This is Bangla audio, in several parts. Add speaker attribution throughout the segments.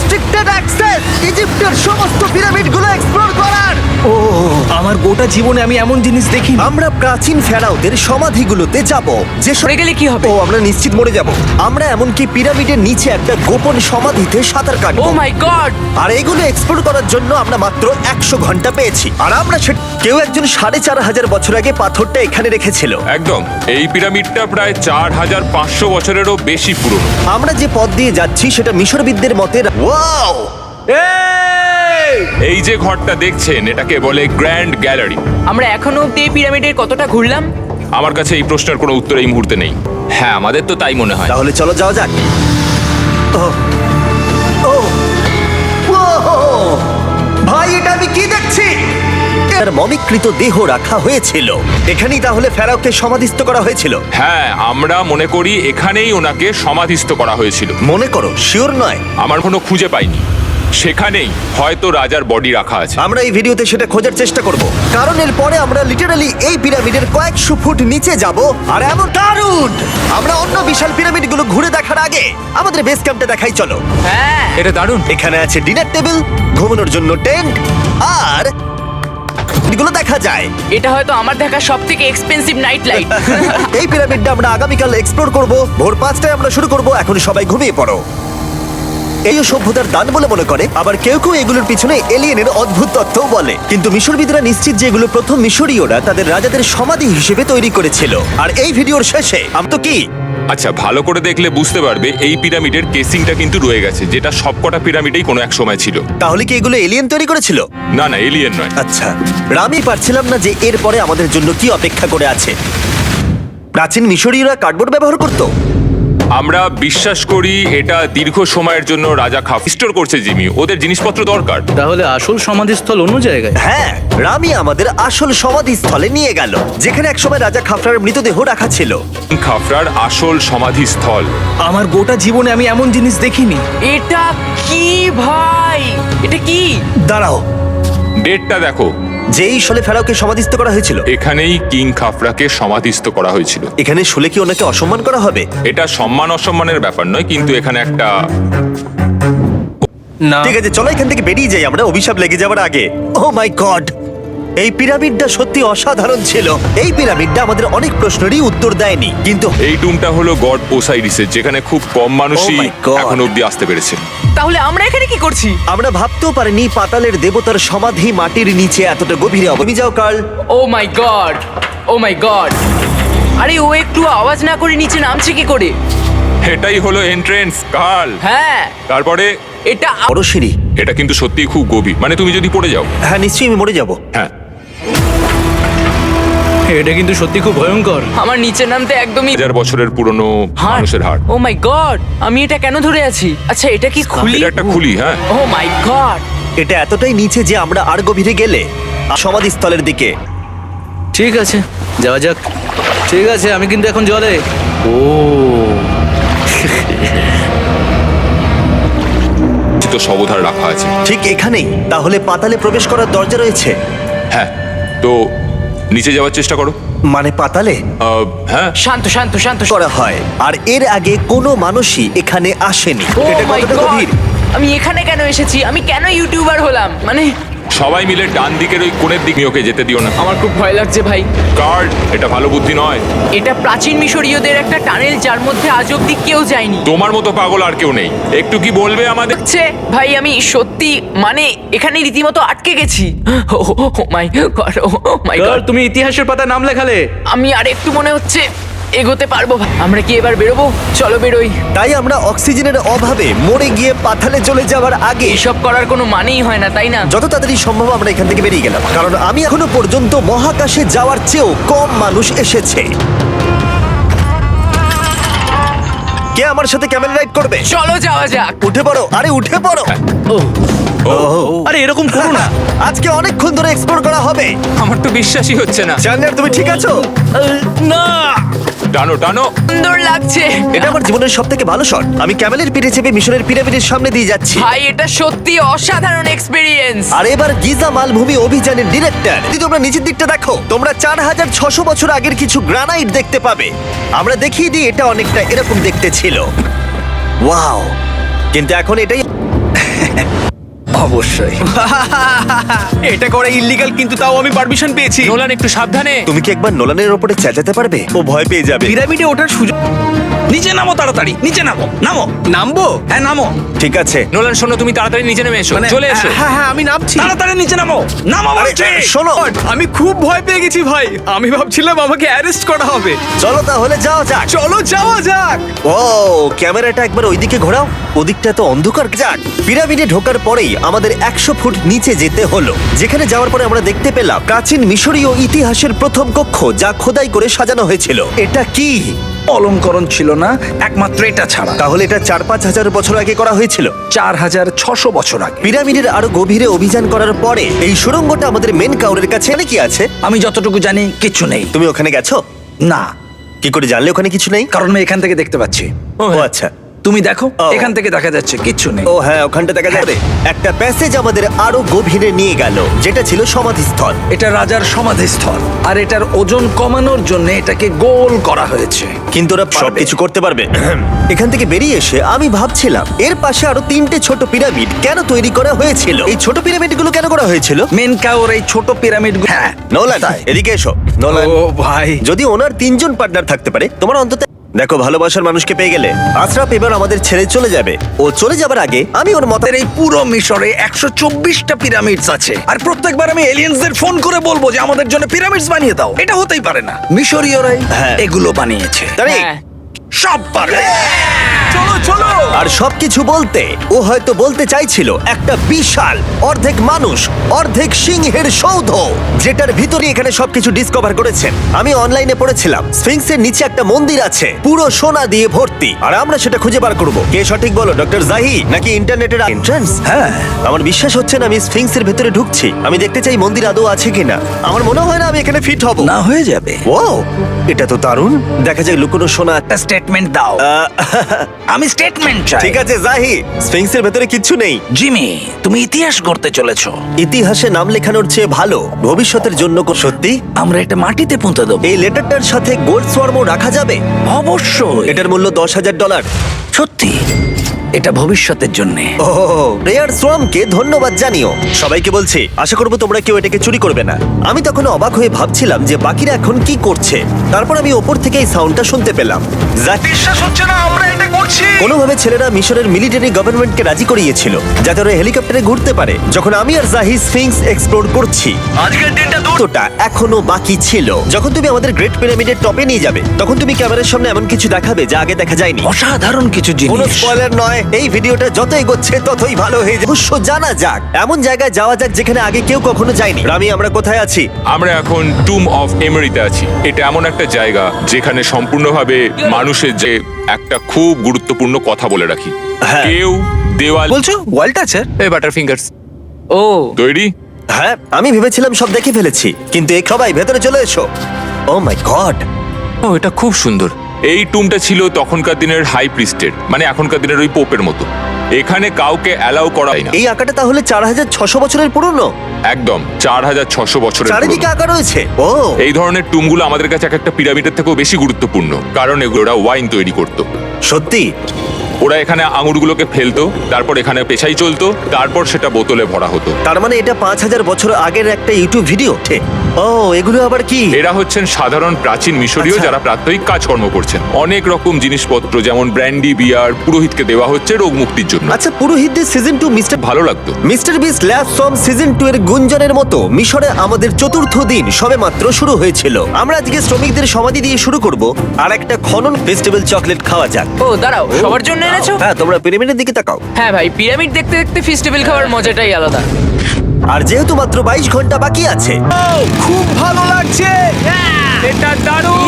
Speaker 1: রেস্ট্রিক্টেড অ্যাক্সেস ইজিপ্টের সমস্ত পিরামিডগুলো এক্সপ্লোর করার।
Speaker 2: ও আমার গোটা জীবনে আমি এমন জিনিস দেখিনি।
Speaker 1: আমরা প্রাচীন ফেরাওদের সমাধিগুলোতে যাব, যে
Speaker 3: সরে গেলে কি হবে?
Speaker 1: ও আমরা নিশ্চিত মরে যাব। আমরা এমনকি পিরামিডের নিচে একটা গোপন সমাধিতে সাঁতার
Speaker 3: ও
Speaker 1: কাটবো।
Speaker 3: মাই গড!
Speaker 1: আর এগুলো এক্সপ্লোর করার জন্য আমরা মাত্র 100 ঘন্টা পেয়েছি। আর আমরা কেউ একজন 4500 বছর আগে পাথরটা এখানে রেখেছিল।
Speaker 4: একদম, এই পিরামিডটা প্রায় 4500 বছরেরও বেশি পুরনো।
Speaker 1: আমরা যে পথ দিয়ে যাচ্ছি সেটা মিশরবিদদের মতে ওয়াও!
Speaker 4: এই যে ঘরটা দেখছেন এটাকে বলে গ্র্যান্ড গ্যালারি।
Speaker 3: আমরা এখনো অব্দি এই পিরামিডের কতটা ঘুরলাম?
Speaker 4: আমার কাছে এই প্রশ্নের কোনো উত্তর এই মুহূর্তে নেই। হ্যাঁ, আমাদের তো তাই মনে হয়।
Speaker 1: তাহলে চলো যাওয়া যাক। ও ও ও ভাই, এটা আমি কি দেখছি? তার মমিকৃত দেহ রাখা হয়েছিল এখানেই। তাহলে ফেরাওকে সমাধিস্থ করা হয়েছিল।
Speaker 4: হ্যাঁ, আমরা মনে করি এখানেই ওনাকে সমাধিস্থ করা হয়েছিল।
Speaker 1: মনে করো, শিওর নয়।
Speaker 4: আমার কোনো খুঁজে পাইনি। সেখানেই হয়তো রাজার বডি রাখা আছে।
Speaker 1: আমরা এই ভিডিওতে সেটা খোঁজার চেষ্টা করব, কারণ এর পরে আমরা লিটারালি এই পিরামিডের কয়েকশো ফুট নিচে যাব। আর এমন দারুণ! আমরা অন্য বিশাল পিরামিডগুলো ঘুরে দেখার আগে আমাদের বেস ক্যাম্পটা দেখাই চলো।
Speaker 3: হ্যাঁ,
Speaker 4: এটা দারুণ।
Speaker 1: এখানে আছে ডিনার টেবিল, ঘুমানোর জন্য টেন্ট, আর এগুলো দেখা যায়।
Speaker 3: এটা হয়তো আমার দেখা সবথেকে এক্সপেন্সিভ নাইট লাইট।
Speaker 1: এই পিরামিডটা আমরা আগামীকাল এক্সপ্লোর করব। ভোর 5টায় আমরা শুরু করব। এখন সবাই ঘুমিয়ে পড়ো। এই সভ্যতার দান বলে মনে করে, আবার কেউ কেউ এগুলোর পিছনে এলিয়েনের অদ্ভুত তত্ত্বও বলে। কিন্তু মিশরবিদরা নিশ্চিত যে এগুলো প্রথম মিশরীয়রা তাদের রাজাদের সমাধি হিসেবে তৈরি করেছিল। আর এই ভিডিওর শেষে তো কি
Speaker 4: আচ্ছা, ভালো করে দেখলে বুঝতে পারবে এই পিরামিডের কেসিংটা কিন্তু রয়ে গেছে, যেটা সবকটা পিরামিডেই কোনো এক সময় ছিল।
Speaker 1: তাহলে কি এগুলো এলিয়েন তৈরি করেছিল?
Speaker 4: না না, এলিয়েন নয়।
Speaker 1: আচ্ছা, আমি পারছিলাম না যে এরপরে আমাদের জন্য কি অপেক্ষা করে আছে। প্রাচীন মিশরীয়রা কার্ডবোর্ড ব্যবহার করতো।
Speaker 4: আমরা বিশ্বাস করি এটা দীর্ঘ সময়ের জন্য রাজা স্টোর করছে জিমি। ওদের জিনিসপত্র দরকার।
Speaker 2: তাহলে আসল সমাধিস্থল অন্য জায়গায়?
Speaker 1: হ্যাঁ, রামি আমাদের আসল সমাধিস্থলে নিয়ে গেল, যেখানে একসময় রাজা খাফরার মৃতদেহ রাখা ছিল।
Speaker 4: খাফরার আসল সমাধিস্থল।
Speaker 2: আমার গোটা জীবনে আমি এমন জিনিস দেখিনি।
Speaker 3: এটা কি ভাই? এটা কি?
Speaker 1: দাঁড়াও,
Speaker 4: ডেটটা দেখো।
Speaker 1: যেই শোলে ফেরাওকে সমাধিস্থ করা হয়েছিল।
Speaker 4: এখানেই কিং খাফরাকে সমাধিস্থ করা হয়েছিল।
Speaker 1: এখানে শুলে কি ওনাকে অসম্মান করা হবে?
Speaker 4: এটা সম্মান অসম্মানের ব্যাপার নয়, কিন্তু এখানে একটা
Speaker 2: না,
Speaker 1: ঠিক আছে, চলো এখান থেকে বেরিয়ে যাই আমরা, অভিশাপ লেগে যাওয়ার আগে। ও মাই গড, এই পিরামিডটা সত্যি অসাধারণ ছিল। এই পিরামিডটা আমাদের অনেক প্রশ্নেরই উত্তর দেয়নি, কিন্তু
Speaker 4: এই টুমটা হলো গড ওসাইরিসের, যেখানে খুব কম মানুষই
Speaker 1: Oh my God!
Speaker 4: এখন অব্দি আসতে পেরেছে।
Speaker 3: তাহলে আমরা এখানে কি করছি?
Speaker 1: আমরা ভাবতেও পারিনি পাতালের দেবতার সমাধি মাটির নিচে এতটা গভীরে হবে। তুমি যাও Carl.
Speaker 3: Oh my god! Oh my god! আরে ও একটু আওয়াজ না করে নিচে নামছে কি করে?
Speaker 4: এটাই হলো এন্ট্রেন্স, কার্ল।
Speaker 3: হ্যাঁ,
Speaker 4: তারপরে
Speaker 3: এটা
Speaker 1: বড় সিঁড়ি।
Speaker 4: এটা কিন্তু সত্যিই খুব গভীর, মানে তুমি যদি পড়ে যাও।
Speaker 1: হ্যাঁ, নিশ্চয়ই আমি মরে যাব।
Speaker 4: হ্যাঁ,
Speaker 2: এটা কিন্তু সত্যি খুব ভয়ঙ্কর।
Speaker 3: আমার নিচে নামতে একদমই
Speaker 4: 1000 বছরের পুরনো মানুষের হাড়।
Speaker 3: Oh my god! আমি এটা কেন ধরে আছি? আচ্ছা, এটা কি খুলি?
Speaker 4: এটা একটা খুলি। হ্যাঁ,
Speaker 3: ও মাই গড!
Speaker 1: এটা এতটাই নিচে যে আমরা আর গভীরে গেলে সমাধিস্থলের দিকে।
Speaker 2: ঠিক আছে, যাওয়া যাক। ঠিক আছে, আমি কিন্তু এখন জলে। ও
Speaker 4: তো সবধার রাখা আছে।
Speaker 1: ঠিক এখানেই তাহলে পাতালে প্রবেশ করার দরজা রয়েছে।
Speaker 4: হ্যাঁ, তো নিচে যাওয়ার চেষ্টা করো।
Speaker 1: মানে পাতালে
Speaker 4: হ্যাঁ,
Speaker 3: শান্ত শান্ত শান্ত।
Speaker 1: করা হয়, আর এর আগে কোনো মানুষই এখানে আসেনি।
Speaker 3: ও
Speaker 1: এটা
Speaker 3: মাই
Speaker 1: কতটা
Speaker 3: গড!
Speaker 1: গভীর?
Speaker 3: আমি এখানে কেন এসেছি? আমি কেন ইউটিউবার হলাম? মানে
Speaker 4: সবাই মিলে ডান দিকের ওই কোণের দিকে ওকে যেতে দিও না।
Speaker 3: আমার খুব ভয় লাগছে ভাই।
Speaker 4: কার্ড, এটা ভালো বুদ্ধি নয়।
Speaker 3: এটা প্রাচীন মিশরীয়দের একটা টানেল, যার মধ্যে আজ অব্দি কেউ যায়নি।
Speaker 4: তোমার মতো পাগল আর কেউ নেই। একটু কি বলবে আমাদের?
Speaker 3: হচ্ছে ভাই, আমি সত্যি মানে এখানে রীতিমতো আটকে গেছি। ও মাই গড! ও মাই
Speaker 2: কাল,
Speaker 3: গড!
Speaker 2: তুমি ইতিহাসের পাতা নাম লেখালে।
Speaker 3: আমি আর একটু মনে হচ্ছে এগোতে পারবো। আমরা কি এবার বেরোবো? চলো বেরোই।
Speaker 1: তাই আমরা অক্সিজেনের অভাবে মরে গিয়ে পাতালে চলে যাওয়ার আগে
Speaker 3: এসব করার কোনো মানেই হয় না, তাই না?
Speaker 1: যত তাড়াতাড়ি সম্ভব আমরা এখান থেকে বেরিয়ে গেলাম, কারণ আমি এখনো পর্যন্ত মহাকাশে যাওয়ার চেয়েও কম মানুষ এসেছে। কে আমার সাথে ক্যামেল রাইড করবে?
Speaker 3: চলো যাওয়া যাক।
Speaker 1: উঠে পড়ো, আরে উঠে পড়ো।
Speaker 2: ও
Speaker 1: ওহ,
Speaker 2: আরে এরকম করো না।
Speaker 1: আজকে অনেকক্ষণ ধরে এক্সপ্লোর করা হবে।
Speaker 4: আমার তো বিশ্বাসই হচ্ছে না।
Speaker 1: জানলার, তুমি ঠিক আছো?
Speaker 2: না,
Speaker 4: টানো টানো।
Speaker 3: সুন্দর লাগছে
Speaker 1: এটা আমার জীবনের সব থেকে ভালো শট। আমি ক্যামেলের পিঠে চেপে মিশরের পিরামিডের সামনে দিয়ে যাচ্ছি।
Speaker 3: ভাই, এটা সত্যি অসাধারণ এক্সপেরিয়েন্স।
Speaker 1: আর এবার গিজা মালভূমি অভিযানের ডিরেক্টর, যদি তোমরা নিচের দিকটা দেখো, তোমরা 4600 বছর আগের কিছু গ্রানাইট দেখতে পাবে। আমরা দেখিয়ে দিই, এটা অনেকটা এরকম দেখতে ছিল। ওয়াও! কিন্তু এখন এটাই
Speaker 5: অবশ্যই।
Speaker 6: এটা করা ইল্লিগাল, কিন্তু তাও আমি পারমিশন পেয়েছি।
Speaker 4: নোলান একটু সাবধানে।
Speaker 1: তুমি কি একবার নোলানের ওপরে চেঁচাতে পারবে? ও ভয় পেয়ে যাবে।
Speaker 6: পিরামিডে ওঠার সুযোগ
Speaker 5: নিচে নামো তাড়াতাড়ি, নিচে নামো, নামো।
Speaker 6: নামবো?
Speaker 5: হ্যাঁ নামো,
Speaker 1: ঠিক আছে।
Speaker 4: নোলান শোনো, তুমি তাড়াতাড়ি নিচে নেমে এসো, চলে এসো।
Speaker 6: হ্যাঁ হ্যাঁ, আমি নামছি।
Speaker 5: তাড়াতাড়ি নিচে নামো, নামো বলছি।
Speaker 1: শোনো,
Speaker 6: আমি খুব ভয় পেয়ে গেছি ভাই। আমি ভাবছিলাম আমাকে অ্যারেস্ট করা হবে।
Speaker 1: চলো তাহলে যাওয়া যাক।
Speaker 6: চলো যাওয়া যাক।
Speaker 1: ও ক্যামেরাটা একবার ওইদিকে ঘোরাও। ওদিকটা তো অন্ধকার। যাক, পিরামিডে ঢোকার পরেই আমাদের 100 ফুট নিচে যেতে হলো, যেখানে যাওয়ার পরে আমরা দেখতে পেলাম প্রাচীন মিশরীয় ইতিহাসের প্রথম কক্ষ, যা খোদাই করে সাজানো হয়েছিল। এটা কি?
Speaker 5: অলঙ্করণ ছিল না, একমাত্র এটা ছাড়া।
Speaker 1: তাহলে এটা 4-5 হাজার বছর আগে করা হয়েছিল।
Speaker 5: 4600 বছর আগে।
Speaker 1: পিরামিডের আরো গভীরে অভিযান করার পরে এই সুড়ঙ্গটা আমাদের মেন কাউরের কাছে কি আছে?
Speaker 5: আমি যতটুকু জানি কিচ্ছু নেই।
Speaker 1: তুমি ওখানে গেছো?
Speaker 5: না,
Speaker 1: কি করে জানলে ওখানে কিছু নেই?
Speaker 5: কারণ আমি এখান থেকে দেখতে পাচ্ছি।
Speaker 1: ও আচ্ছা।
Speaker 5: তুমি দেখো,
Speaker 1: ও।
Speaker 5: এখান থেকে দেখা যাচ্ছে কিচ্ছু নেই।
Speaker 1: ও হ্যাঁ, ওখানটা দেখা যাবে। একটা প্যাসেজ আমাদের আরো গভীরে নিয়ে গেল, যেটা ছিল সমাধিস্থল।
Speaker 5: এটা রাজার সমাধিস্থল, আর এটার ওজন কমানোর জন্য এটাকে গোল করা হয়েছে।
Speaker 1: কিন্তু ওরা সবকিছু করতে পারবে? এখান থেকে বেরিয়ে এসে আমি ভাবছিলাম এর পাশে আরো 3টে ছোট পিরামিড কেন তৈরি করা হয়েছিল? এই ছোট পিরামিডগুলো কেন করা হয়েছিল?
Speaker 5: মেন কাউর এই ছোট পিরামিড। হ্যাঁ,
Speaker 1: নোলান, এদিকে এসো। নোলান,
Speaker 6: ও ভাই,
Speaker 1: যদি ওনার 3জন পার্টনার থাকতে পারে, তোমার অন্তত দেখো, ভালোবাসার মানুষকে পেয়ে গেলে। আশরাফ এবার আমাদের ছেড়ে চলে যাবে। ও চলে যাবার আগে আমি ওর মতের
Speaker 5: এই পুরো মিশরে 124টা পিরামিডস আছে, আর প্রত্যেকবার আমি এলিয়েন্সদের ফোন করে বলবো যে আমাদের জন্য পিরামিডস বানিয়ে দাও। এটা হতেই পারে না, মিশরীয়রাই
Speaker 1: হ্যাঁ।
Speaker 5: এগুলো বানিয়েছে।
Speaker 1: তাই
Speaker 3: হ্যাঁ।
Speaker 5: সব পারে।
Speaker 6: চলো চলো।
Speaker 1: আর সবকিছু বলতে ও হয়তো বলতে চাইছিল একটা বিশাল অর্ধেক মানুষ অর্ধেক সিংহের সৌধ, যেটার ভিতরে এখানে সবকিছু ডিসকভার করেছেন। আমি অনলাইনে পড়েছিলাম স্ফিংসের নিচে একটা মন্দির আছে পুরো সোনা দিয়ে ভর্তি, আর আমরা সেটা খুঁজে বার করব। কে সঠিক বলো, ডক্টর জাহি নাকি ইন্টারনেটের এন্ট্রান্স?
Speaker 5: হ্যাঁ,
Speaker 1: আমার বিশ্বাস হচ্ছে না আমি স্ফিংসের ভেতরে ঢুকছি। আমি দেখতে চাই মন্দির আদৌ আছে কিনা। আমার মনে হয় না আমি এখানে ফিট হব।
Speaker 5: না হয়ে যাবে।
Speaker 1: ও, এটা তো দারুণ। দেখা যায় লুকোনো সোনা।
Speaker 5: একটা স্টেটমেন্ট দাও। আমি স্টেটমেন্ট চাই।
Speaker 1: ঠিক আছে জাহি, স্ফিংসের ভেতরে কিচ্ছু নেই।
Speaker 5: জিমি, তুমি ইতিহাস গড়তে চলেছো।
Speaker 1: ইতিহাসে নাম লেখানোর চেয়ে ভালো ভবিষ্যতের জন্য সত্যি
Speaker 5: আমরা এটা মাটিতে পুঁতে দেবো।
Speaker 1: এই লেটারটার সাথে গোল্ড সোয়ার্মও রাখা যাবে।
Speaker 5: অবশ্যই।
Speaker 1: এটার মূল্য $10,000।
Speaker 5: সত্যি, এটা ভবিষ্যতের জন্য।
Speaker 1: ও, রেয়ার সোয়ামকে ধন্যবাদ জানিও। সবাইকে বলছি, আশা করবো তোমরা কেউ এটাকে চুরি করবে না। আমি তখন অবাক হয়ে ভাবছিলাম যে বাকিরা এখন কি করছে। তারপর আমি ওপর থেকে এই সাউন্ডটা শুনতে পেলাম।
Speaker 5: বিশ্বাস হচ্ছে না আমরা এটা করছি।
Speaker 1: কোনোভাবে ছেলেরা মিশরের মিলিটারি গভর্নমেন্টকে রাজি করিয়েছিল যাতে ওরা হেলিকপ্টারে ঘুরতে পারে। যখন আমি আর জাহি স্ফিংস এক্সপ্লোর করছি,
Speaker 5: আজকের দিনটা
Speaker 1: তোটা এখনো বাকি ছিল। যখন তুমি আমাদের গ্রেট পিরামিডের টপে নিয়ে যাবে, তখন তুমি ক্যামেরার সামনে এমন কিছু দেখাবে যা আগে দেখা যায়নি।
Speaker 5: অসাধারণ কিছু
Speaker 1: কোনো
Speaker 5: জিনিস।
Speaker 1: স্পয়লার নয়। এই ভিডিওটা যত এগোচ্ছে ততই ভালো হয়ে যাবে। অবশ্য জানা যাক, এমন জায়গায় যাওয়া যাক যেখানে আগে কেউ কখনো যায়নি। রামি, আমরা কোথায় আছি?
Speaker 4: আমরা এখন টুম অফ এমেরিতে আছি। এটা এমন একটা জায়গা যেখানে সম্পূর্ণভাবে মানুষের যে একটা খুব গুরুত্বপূর্ণ কথা বলে রাখি।
Speaker 1: হ্যাঁ।
Speaker 4: কেউ দেওয়াল
Speaker 6: বলছো ওয়ালটা আছে?
Speaker 4: এই বাটার ফিঙ্গার্স
Speaker 3: ও
Speaker 4: তৈরি।
Speaker 1: হ্যাঁ, আমি ভেবেছিলাম সব দেখে ফেলেছি, কিন্তু এই সবাই ভেতরে চলে এসো। ও মাই গড,
Speaker 4: ও, এটা খুব সুন্দর। এই টুমটা ছিল তখনকার দিনের হাই প্রিস্টের, মানে এখনকার দিনের ওই পোপের মতো। এখানে কাউকে অ্যালাউ করা হয় না।
Speaker 1: এই আঁকাটা তাহলে 4600 বছরের পুরনো?
Speaker 4: একদম 4600 বছরের
Speaker 1: চারিদিকে
Speaker 4: পুরনো।
Speaker 1: আঁকা রয়েছে। ও,
Speaker 4: এই ধরনের টুমগুলো আমাদের কাছে এক একটা পিরামিডের থেকেও বেশি গুরুত্বপূর্ণ, কারণ এগুলো ওরা ওয়াইন তৈরি করতো।
Speaker 1: সত্যি?
Speaker 4: ওরা এখানে আঙুরগুলোকে ফেলতো, তারপর এখানে পেশাই চলতো, তারপর সেটা বোতলে ভরা হতো।
Speaker 1: তার মানে এটা 5000 বছর আগের একটা ইউটিউব ভিডিও। ও, এগুলো আবার কি?
Speaker 4: এরা হচ্ছেন সাধারণ প্রাচীন মিশরীয়
Speaker 1: আচ্ছা।
Speaker 4: যারা প্রাত্যহিক কাজকর্ম করছেন। অনেক রকম জিনিসপত্র যেমন ব্র্যান্ডি, বিয়ার পুরোহিতকে দেওয়া হচ্ছে রোগ মুক্তির জন্য।
Speaker 1: আচ্ছা, পুরোহিতদের সিজন 2 মিস্টার
Speaker 4: ভালো লাগতো।
Speaker 1: মিস্টার বিস্ট ল্যাব সম সিজন 2 এর গুঞ্জনের মতো মিশরে আমাদের চতুর্থ দিন সবেমাত্র শুরু হয়েছিল। আমরা আজকে শ্রমিকদের সমাধি দিয়ে শুরু করব, আর একটা খনন ফেস্টিভ্যাল চকলেট খাওয়া যাক।
Speaker 3: ও দাঁড়াও, সবার জন্য এনেছো?
Speaker 1: হ্যাঁ, তোমরা পিরামিডের দিকে তাকাও।
Speaker 3: হ্যাঁ ভাই, পিরামিড দেখতে দেখতে ফেস্টিভ্যাল খাওয়ার মজাটাই আলাদা।
Speaker 1: আর যেহেতু মাত্র 22 ঘন্টা বাকি আছে,
Speaker 6: খুব ভালো লাগছে।
Speaker 3: এটা দারুণ।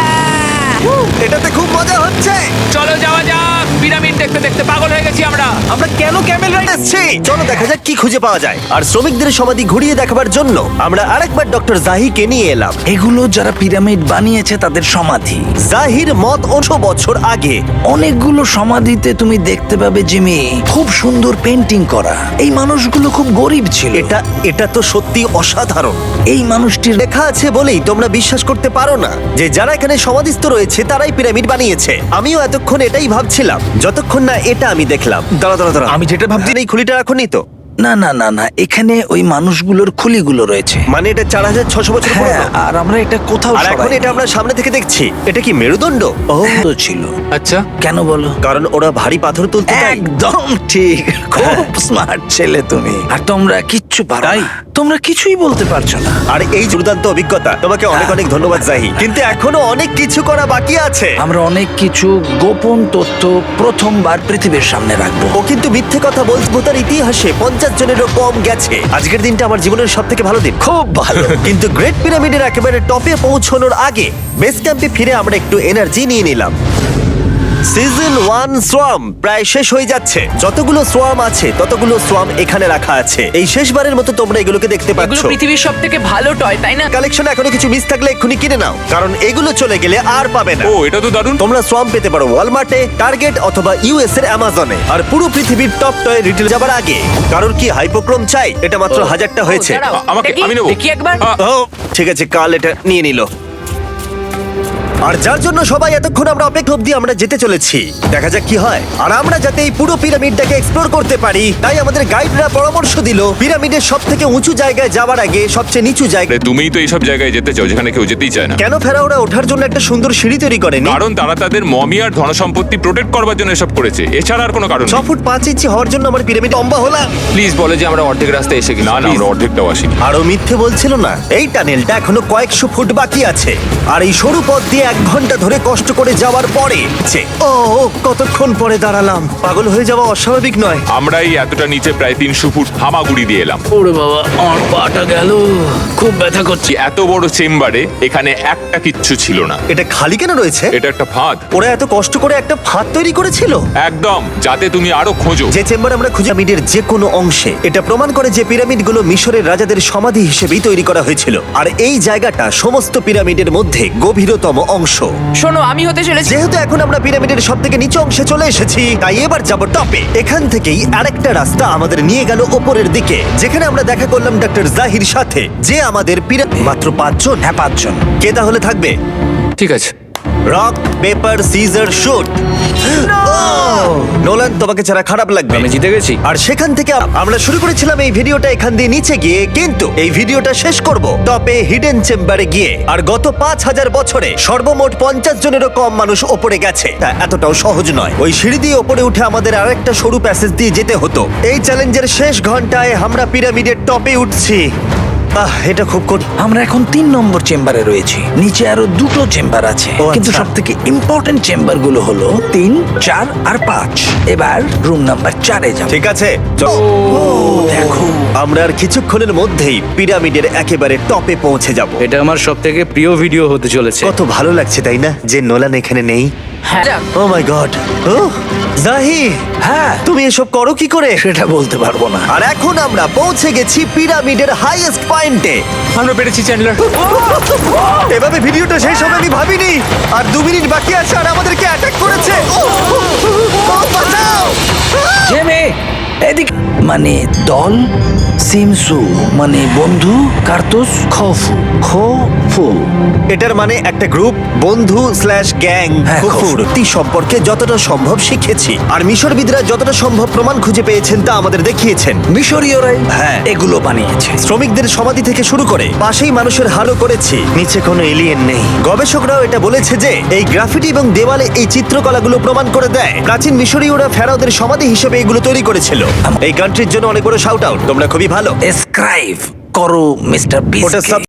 Speaker 1: এটাতে খুব মজা হচ্ছে।
Speaker 3: চলো যাওয়া যাক। পিরামিড দেখতে দেখতে পাগল হয়ে গেছি আমরা।
Speaker 6: আমরা কেন ক্যামেল রাইড?
Speaker 1: আসছে, চলো দেখা যাক কি খুঁজে পাওয়া যায়। আর শ্রমিকদের সমাধি ঘুরিয়ে দেখাবার জন্য আমরা আরেকবার ডক্টর জাহিকে নিয়ে এলাম।
Speaker 5: এগুলো যারা পিরামিড বানিয়েছে তাদের সমাধি।
Speaker 1: জাহির মত 100 বছর আগে।
Speaker 5: অনেকগুলো সমাধিতে তুমি দেখতে পাবে জিমি, খুব সুন্দর পেন্টিং করা। এই মানুষগুলো খুব গরিব ছিল।
Speaker 1: এটা তো সত্যি অসাধারণ।
Speaker 5: এই মানুষটির
Speaker 1: লেখা আছে বলেই তোমরা বিশ্বাস করতে পারো না যে যারা এখানে সমাধিস্থ রয়েছে রয়েছে তারাই পিরামিড বানিয়েছে। আমিও এতক্ষণ এটাই ভাবছিলাম যতক্ষণ না এটা আমি দেখলাম। দাঁড়া
Speaker 5: আমি যেটা ভাবছি
Speaker 1: এই খুলিটা রাখুনি তো?
Speaker 5: না না না না, এখানে ওই মানুষগুলোর খুলিগুলো রয়েছে।
Speaker 1: মানে এটা 4600 বছর
Speaker 5: হ্যাঁ,
Speaker 1: পুরনো।
Speaker 5: আর আমরা এটা কোথাও
Speaker 1: আর এখন এটা আমরা সামনে থেকে দেখছি। এটা কি মেরুদণ্ড? ও
Speaker 5: তো ছিল।
Speaker 2: আচ্ছা,
Speaker 5: কেন বলো?
Speaker 1: কারণ ওরা ভারী পাথর তুলতে তাই।
Speaker 5: একদম ঠিক, খুব স্মার্ট ছেলে তুমি। আর তোমরা কিচ্ছু পারো না। তোমরা কিছুই বলতে পারছো না।
Speaker 1: আর এই দুর্দান্ত অভিজ্ঞতা তোমাকে অনেক অনেক ধন্যবাদ জাহি, কিন্তু এখনো অনেক কিছু করা বাকি আছে।
Speaker 5: আমরা অনেক কিছু গোপন তথ্য প্রথমবার পৃথিবীর সামনে রাখবো।
Speaker 1: ও কিন্তু মিথ্যে কথা বলবো, তার ইতিহাসে 50 জনেরও কম গেছে। আজকের দিনটা আমার জীবনের সব থেকে ভালো দিন।
Speaker 5: খুব ভালো।
Speaker 1: কিন্তু গ্রেট পিরামিডের একেবারে টপে পৌঁছানোর আগে বেস ক্যাম্পে ফিরে আমরা একটু এনার্জি নিয়ে নিলাম। সিজন 1 সোয়াম প্রায় শেষ হয়ে যাচ্ছে। যতগুলো সোয়াম আছে ততগুলো সোয়াম এখানে রাখা আছে। এই শেষবারের মতো তোমরা এগুলোকে দেখতে
Speaker 3: এগুলো
Speaker 1: পাচ্ছ।
Speaker 3: পৃথিবীর সব থেকে ভালো টয়, তাই না?
Speaker 1: কালেকশনে এখনো কিছু মিস থাকলে এক্ষুনি কিনে নাও, কারণ এগুলো চলে গেলে আর পাবে না।
Speaker 4: ও এটা তো দারুণ।
Speaker 1: তোমরা সোয়াম পেতে পারো ওয়ালমার্টে, টার্গেট অথবা ইউএস এর অ্যামাজনে। আর পুরো পৃথিবীর টপ টয় রিটেল যাবার আগে কারোর কি হাইপোক্রোম চাই? এটা মাত্র 1000টা হয়েছে।
Speaker 3: ও, দাঁড়াও,
Speaker 4: আমাকে-
Speaker 3: দেখি,
Speaker 4: আমি নেবো।
Speaker 3: দেখি একবার।
Speaker 1: ও ঠিক আছে, কাল এটা নিয়ে নিল। আর যার জন্য সবাই এতক্ষণ আমরা অপেক্ষা অব্দি আমরা যেতে চলেছি, দেখা যাক কি হয়। আর আমরা যাতে এই পুরো পিরামিডটাকে এক্সপ্লোর করতে পারি তাই আমাদের গাইডরা পরামর্শ দিল পিরামিডের সব থেকে উঁচু জায়গায় যাওয়ার আগে সবচেয়ে নিচু জায়গা।
Speaker 4: আরে, তুমিই তো এইসব জায়গায় যেতে চাও যেখানে কেউ যেতেই চায় না।
Speaker 1: কেন ফেরাওরা ওঠার জন্য একটা সুন্দর সিঁড়ি তৈরি করেনি?
Speaker 4: কারণ তারা তাদের মমি আর ধনসম্পত্তি প্রোটেক্ট করবার জন্য এসব করেছে, এছাড়া আর কোনো কারণ
Speaker 1: 6 ফুট 5 ইঞ্চি হওয়ার জন্য আমার পিরামিড লম্বা হলাম।
Speaker 2: প্লিজ বলে যে আমরা অর্ধেক রাস্তায় এসে গেছি।
Speaker 4: না না, আমরা অর্ধেকটাও আসিনি।
Speaker 1: আরো মিথ্যে বলছিল না। এই টানেলটা এখনো কয়েকশো ফুট বাকি আছে, আর এই সরু পথ দিয়ে 1 ঘন্টা ধরে কষ্ট করে যাওয়ার পরে ও কতক্ষণ পরে দাঁড়ালাম। পাগল হয়ে যাওয়া অস্বাভাবিক নয়।
Speaker 4: আমরা এই এতটা নিচে প্রায় 300 ফুট হামাগুড়ি দিয়ে এলাম।
Speaker 2: ওরে বাবা, আমার পাটা গেল, খুব ব্যথা করছে।
Speaker 4: এত বড় চেম্বারে এখানে একটা কিচ্ছু ছিল না।
Speaker 1: এটা খালি কেন রয়েছে?
Speaker 4: এটা একটা ফাঁদ।
Speaker 1: ওরা এত কষ্ট করে একটা ফাঁদ তৈরি করেছিল
Speaker 4: একদম, যাতে তুমি আরো খোঁজো।
Speaker 1: যে চেম্বার আমরা খুঁজে পিরামিডের যে কোনো অংশে। এটা প্রমাণ করে যে পিরামিডগুলো মিশরের রাজাদের সমাধি হিসেবেই তৈরি করা হয়েছিল, আর এই জায়গাটা সমস্ত পিরামিডের মধ্যে গভীরতম অংশ।
Speaker 3: শোনো, আমি হতে চলেছি।
Speaker 1: যেহেতু এখন আমরা পিরামিডের সব থেকে নিচু অংশে চলে এসেছি, তাই এবার যাব টপে। এখান থেকেই আরেকটা রাস্তা আমাদের নিয়ে গেল ওপরের দিকে, যেখানে আমরা দেখা করলাম ডক্টর জাহির সাথে, যে আমাদের মাত্র 5 জন।
Speaker 5: হ্যাঁ, 5 জন।
Speaker 1: কে তাহলে থাকবে?
Speaker 2: ঠিক আছে,
Speaker 1: rock paper scissor shoot. Nolan, তোমাকে ছাড়া খারাপ লাগবে।
Speaker 2: আমি জিতে গেছি।
Speaker 1: আর সেখান থেকে আমরা শুরু করেছিলাম এই ভিডিওটা এখান দিয়ে নিচে গিয়ে, কিন্তু এই ভিডিওটা শেষ করব টপে হিডেন চেম্বারে গিয়ে। আর গত 5000 বছরে সর্বমোট 50 জনেরও কম মানুষ ওপরে গেছে। তা এতটাও সহজ নয়। ওই সিঁড়ি দিয়ে ওপরে উঠে আমাদের আরেকটা সরু প্যাসেজ দিয়ে যেতে হতো। এই চ্যালেঞ্জের শেষ ঘন্টায় আমরা পিরামিডের টপে উঠছি। এটা খুব
Speaker 5: আমরা এখন 3 নম্বর চেম্বারে রয়েছি। নিচে আরো 2টো চেম্বার আছে,
Speaker 1: ও, আচ্ছা।
Speaker 5: কিন্তু সব থেকে ইম্পর্টেন্ট চেম্বার গুলো হলো 3, 4 আর 5। এবার রুম নাম্বার 4 এ যাব।
Speaker 1: ঠিক আছে, চলো।
Speaker 5: দেখো,
Speaker 1: আমরা আর কিছুক্ষণের মধ্যেই পিরামিডের একেবারে টপে পৌঁছে যাব।
Speaker 2: এটা আমার সব থেকে প্রিয় ভিডিও হতে চলেছে।
Speaker 1: কত ভালো লাগছে তাই না যে নোলান এখানে নেই।
Speaker 3: হ্যাঁ, যাক।
Speaker 1: ও মাই গড। ও জাহি,
Speaker 5: হ্যাঁ,
Speaker 1: তুমি এসব করো কি করে?
Speaker 5: সেটা বলতে পারবো না।
Speaker 1: আর এখন আমরা পৌঁছে গেছি পিরামিডের হাইয়েস্ট পয়েন্টে।
Speaker 4: আমরা পেরেছি চ্যান্ডলার।
Speaker 1: এভাবে ভিডিওটা শেষ হবে আমি ভাবিনি। আর 2 মিনিট বাকি আছে আর আমাদেরকে অ্যাটাক করেছে। ও, বাঁচাও!
Speaker 5: জেমে, এদিকে। মানে দল, সিমসু মানে বন্ধু, কার্তুস খফু খফু।
Speaker 1: এটার মানে একটা গ্রুপ, বন্ধু স্ল্যাশ গ্যাং।
Speaker 5: হ্যাঁ,
Speaker 1: কুকুরটি সম্পর্কে যতটা সম্ভব শিখেছি, আর মিশরবিদরা যতটা সম্ভব প্রমাণ খুঁজে পেয়েছেন তা আমাদের দেখিয়েছেন।
Speaker 5: মিশরীয়রাই
Speaker 1: হ্যাঁ।
Speaker 5: এগুলো বানিয়েছে।
Speaker 1: শ্রমিকদের সমাধি থেকে শুরু করে পাশেই মানুষের হাড়ও করেছি। নিচে কোনো এলিয়েন নেই। গবেষকরাও এটা বলেছে যে এই গ্রাফিটি এবং দেওয়ালে এই চিত্রকলাগুলো প্রমাণ করে দেয় প্রাচীন মিশরীয়রা ফেরাওদের সমাধি হিসেবে এগুলো তৈরি করেছিল। এই কান্ট্রির জন্য অনেক বড় শাউট আউট, তোমরা খুবই ভালো।
Speaker 5: এসক্রাইব করো মিস্টার
Speaker 1: ওটা
Speaker 5: বিস্টকে।